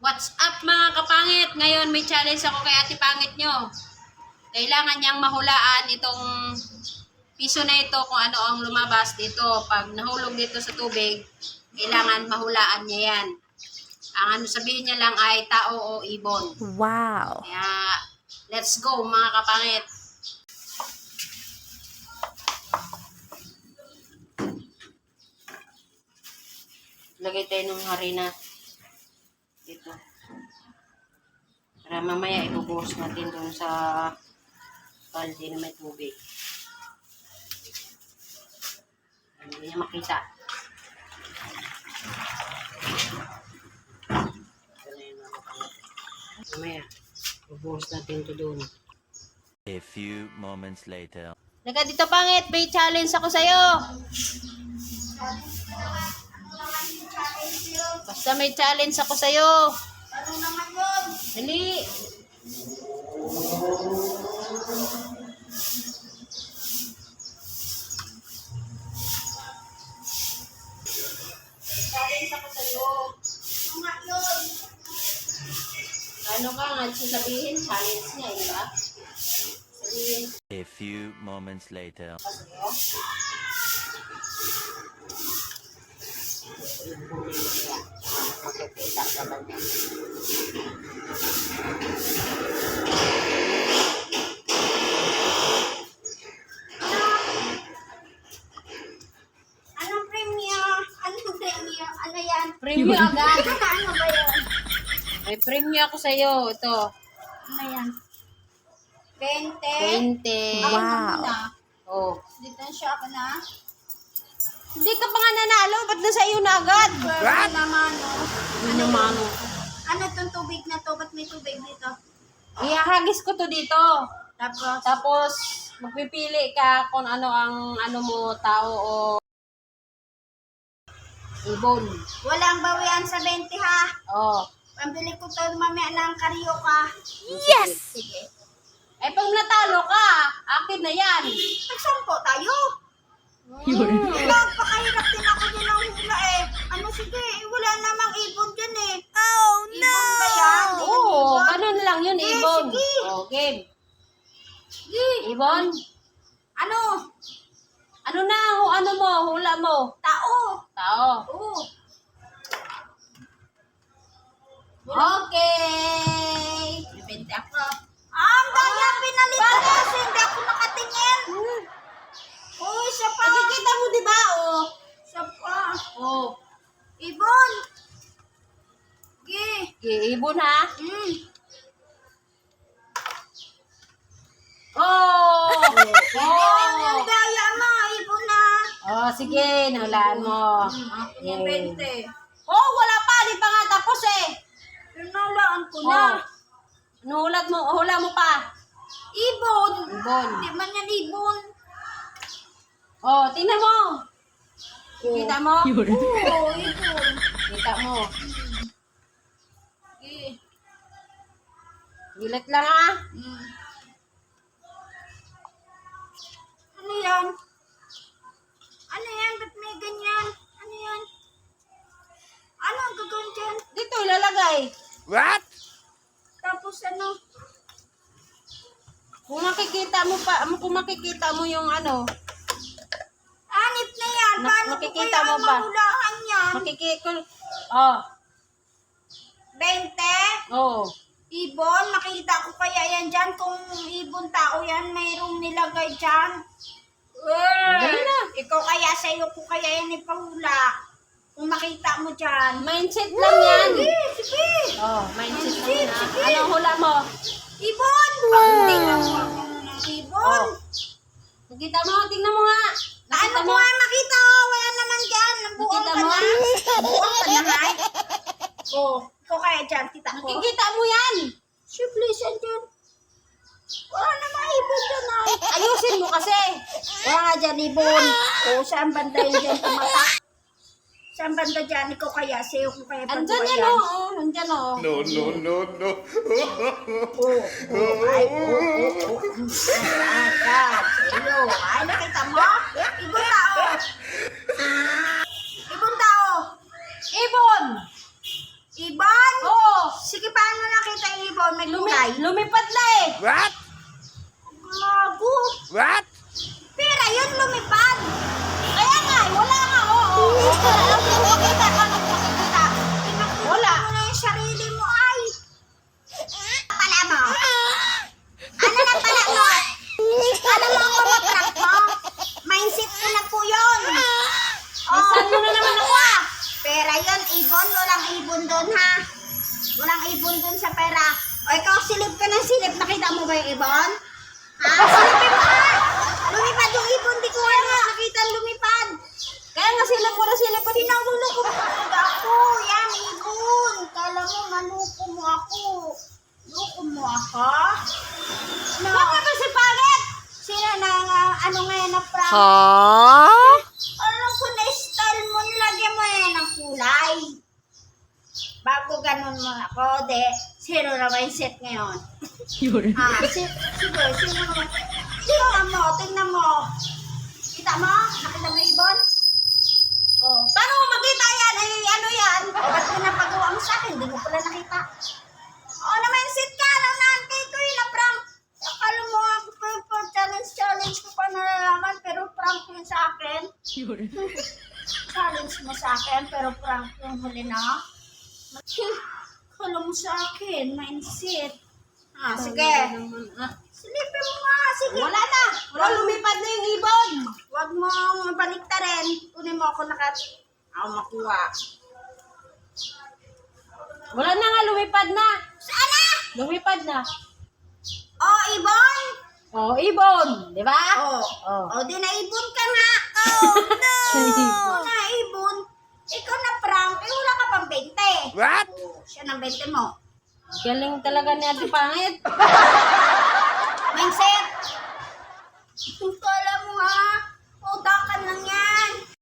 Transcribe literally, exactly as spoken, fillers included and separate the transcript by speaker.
Speaker 1: What's up mga kapangit? Ngayon may challenge ako kay Ate Pangit nyo. Kailangan niyang mahulaan itong piso na ito kung ano ang lumabas dito. Pag nahulog dito sa tubig, kailangan mahulaan niya yan. Ang ano sabihin niya lang ay tao o ibon.
Speaker 2: Wow.
Speaker 1: Kaya let's go mga kapangit. Lagay tayo ng harina dito. Para mamaya ibubuhos natin doon sa balde na may tubig. Hindi niya makita. Ito na yun mga kapangit. Mamaya, ibubuhos natin ito doon.
Speaker 3: A few moments later.
Speaker 1: Naga dito pangit, may challenge ako sa'yo. Basta may challenge ako sa'yo.
Speaker 4: Ano naman yun?
Speaker 1: Dali. Challenge ako sa'yo.
Speaker 4: Ano nga yun?
Speaker 1: Ano ka nga sasabihin? Challenge niya, di ba? Sabihin
Speaker 3: A few moments later.
Speaker 1: ko sa'yo. Makikita ka ba niya?
Speaker 4: Anong premium? Anong premium? Ano yan?
Speaker 1: Premium agad.
Speaker 4: Ano ba yun?
Speaker 1: May premium ako sa'yo. Ito.
Speaker 4: Ano yan? twenty?
Speaker 1: twenty.
Speaker 4: Ako na
Speaker 2: Wow.
Speaker 4: muna.
Speaker 1: Oh.
Speaker 4: Dito siya ako na.
Speaker 1: Hindi ka pa nga nanalo. Ba't na sa'yo na agad?
Speaker 4: Pwede naman, no?
Speaker 1: Ano naman?
Speaker 4: Ano itong tubig na to? Ba't may tubig dito?
Speaker 1: Ihahagis ko to dito.
Speaker 4: Tapos,
Speaker 1: Tapos, magpipili ka kung ano ang ano mo, tao o ibon.
Speaker 4: walang bawian sa twenty ha.
Speaker 1: Oh.
Speaker 4: Pambili ko to mamaya ng karyoka.
Speaker 2: Yes!
Speaker 4: Sige.
Speaker 1: Eh, pag natalo ka, akin na yan.
Speaker 4: Nagsampo tayo.
Speaker 2: Yun.
Speaker 4: Napakahirap din ako din ng hula eh. Ano sige, eh, wala namang ibon dyan eh. Oh no! Ibon ba yan? Di yan
Speaker 1: Oo,
Speaker 4: ibon?
Speaker 1: ganun lang yun,
Speaker 4: Eh,
Speaker 1: ibon.
Speaker 4: sige.
Speaker 1: Oh, game.
Speaker 4: Sige.
Speaker 1: Ibon,
Speaker 4: Ano?
Speaker 1: ano na, hu- ano mo, hula mo.
Speaker 4: Tao.
Speaker 1: Tao.
Speaker 4: Oo.
Speaker 1: Okay.
Speaker 4: Bibente ako. Ah, ang daya pinalitan ko kasi hindi ako nakatingin. Uy, isa pa.
Speaker 1: Nakikita mo, di ba? Oh.
Speaker 4: Isa pa.
Speaker 1: Oh.
Speaker 4: Ibon. Sige.
Speaker 1: Okay, ibon ha.
Speaker 4: Mm.
Speaker 1: Oh!
Speaker 4: Ibon yung
Speaker 1: Oh!
Speaker 4: daya mo. Ibon na.
Speaker 1: Oh, sige, nahulaan mo.
Speaker 4: Ako yung bente.
Speaker 1: Oh, wala pa, di pa nga tapos eh.
Speaker 4: Pinalaan ko
Speaker 1: Oh.
Speaker 4: na.
Speaker 1: Nuhulat mo, hula mo pa.
Speaker 4: Ibon.
Speaker 1: Ibon.
Speaker 4: Hindi man yan ibon.
Speaker 1: Oh, tingnan mo. Kita mo?
Speaker 2: Yun.
Speaker 4: Oo, ibon.
Speaker 1: Kita mo.
Speaker 4: Sige.
Speaker 1: Gilat lang ah.
Speaker 4: Mm. Ano yan? Ano yan? Ba't may ganyan? Ano yan? Ano ang gagawin dyan?
Speaker 1: Dito ilalagay.
Speaker 3: What?
Speaker 4: Tapos ano?
Speaker 1: Kung makikita mo pa, kung makikita mo yung ano,
Speaker 4: Anip na yan.
Speaker 1: Na-
Speaker 4: Paano ko
Speaker 1: nakikita
Speaker 4: kaya
Speaker 1: mo ba?
Speaker 4: mahulaan yan?
Speaker 1: makikita, oh,
Speaker 4: Bente?
Speaker 1: oh.
Speaker 4: Ibon? Makikita ko kaya yan dyan? Kung ibon tao yan, mayroong nilagay dyan.
Speaker 1: Dali na.
Speaker 4: Ikaw kaya sa'yo ko kaya yan ipahula. Kung makita mo dyan.
Speaker 1: Mindset lang yan.
Speaker 4: Sige, sige.
Speaker 1: Oh, mindset lang
Speaker 4: Sige,
Speaker 1: yan. ah.
Speaker 4: sige.
Speaker 1: Anong hula mo?
Speaker 4: Ibon! Tingnan mo ako ng ibon.
Speaker 1: Oh. Nakita mo? Tingnan mo nga.
Speaker 4: Ano
Speaker 1: Nakita
Speaker 4: ko
Speaker 1: mo?
Speaker 4: nga makita oh, wala naman dyan. Nabuong
Speaker 1: Nakita
Speaker 4: ka
Speaker 1: mo?
Speaker 4: na. Nabuong ka na nga. Oh, ikaw kaya dyan, tita ko.
Speaker 1: Nakikita mo yan.
Speaker 4: Si please, andyan. Wala naman ibon dyan ay.
Speaker 1: Ayusin mo kasi.
Speaker 4: Wala nga dyan ibon. Oh, saan banda yun dyan tumatak? Saan banda dyan? Ikaw kaya, sa'yo ko kaya
Speaker 1: Andyan
Speaker 4: pagawa
Speaker 1: yan oh. oh. Andyan oh.
Speaker 3: No, no, no, no.
Speaker 4: Oh, oh, ay, oh, oh, oh. Ay, ay, sa'yo. Ay, nakita mo? Ibon tao. Ibon tao.
Speaker 1: Ibon!
Speaker 4: Iban?
Speaker 1: Oo!
Speaker 4: Sige, paano nakita yung ibon? May
Speaker 1: Lumi
Speaker 4: kulay.
Speaker 1: lumipad na eh.
Speaker 3: What?
Speaker 4: Gago.
Speaker 3: What?
Speaker 4: Pera yun, lumipad. Kaya nga, wala nga, oo. Nakikita ka, nakikita.
Speaker 1: Wala.
Speaker 4: Mo na yung sarili mo, ay. Pala mo. Ano na pala mo? Ano mo ako na-prank mo? Mindset ko na po yun. Oh,
Speaker 1: Saan mo na naman ako ah?
Speaker 4: pera yun, ibon. Walang ibon doon, ha? Walang ibon doon sa pera. O ikaw, silip ka ng silip. Nakita mo ba yung ibon? Ha? Silipin mo, ha? Lumipad yung ibon. Di ko nga nakita lumipad.
Speaker 1: Kaya nga silip ko na silip ko.
Speaker 4: Pinagulo ko talaga ako. Yan, ibon. Kala mo, manuko mo ako. Luko mo ako? No.
Speaker 1: Bakit ba si Pangit?
Speaker 4: Sino na nga, ano ngayon na prank?
Speaker 2: Huh?
Speaker 4: Alam ko na style mo, nilagyan mo yan ng kulay. Bago ganun mo ako, de, zero na mindset ngayon.
Speaker 2: Yun.
Speaker 4: Ah, si, sige, sino naman? Tingnan mo, tingnan mo. Kita mo? Nakita mo yung ibon? Oh. Paano mo makita yan? Ay, ano yan? O, ba't pinapagawa mo sa akin? Hindi mo pala nakita. Oh, na mindset ka. Alam na, kay ko yun na prank. Akala mo nga, pa challenge, challenge ko pa nalalaman, pero prank yun sa akin.
Speaker 2: Yun.
Speaker 4: Challenge mo sa akin, pero prank yung huli na. Kala mo sa akin, mindset. Ah, sige.
Speaker 1: Ah.
Speaker 4: Silipin mo nga, sige.
Speaker 1: Wala na. Wala lumipad na yung ibon.
Speaker 4: Huwag mo balik ta rin. Kunin mo ako nakat... Ako makuha.
Speaker 1: Wala na nga, lumipad na.
Speaker 4: Saan na?
Speaker 1: Lumipad na.
Speaker 4: Oh, ibon?
Speaker 1: Oh, ibon. Di ba?
Speaker 4: Oh.
Speaker 1: Oh.
Speaker 4: Oh, di na ibon ka nga. Oh, no. Oh, na ibon. Ikaw na prank. Eh, wala ka pang bente.
Speaker 3: What?
Speaker 4: Oh, siya ng bente mo.
Speaker 1: Galing talaga ni Ate Pangit.
Speaker 4: Mindset. Kala mo ha. Udakan lang yan.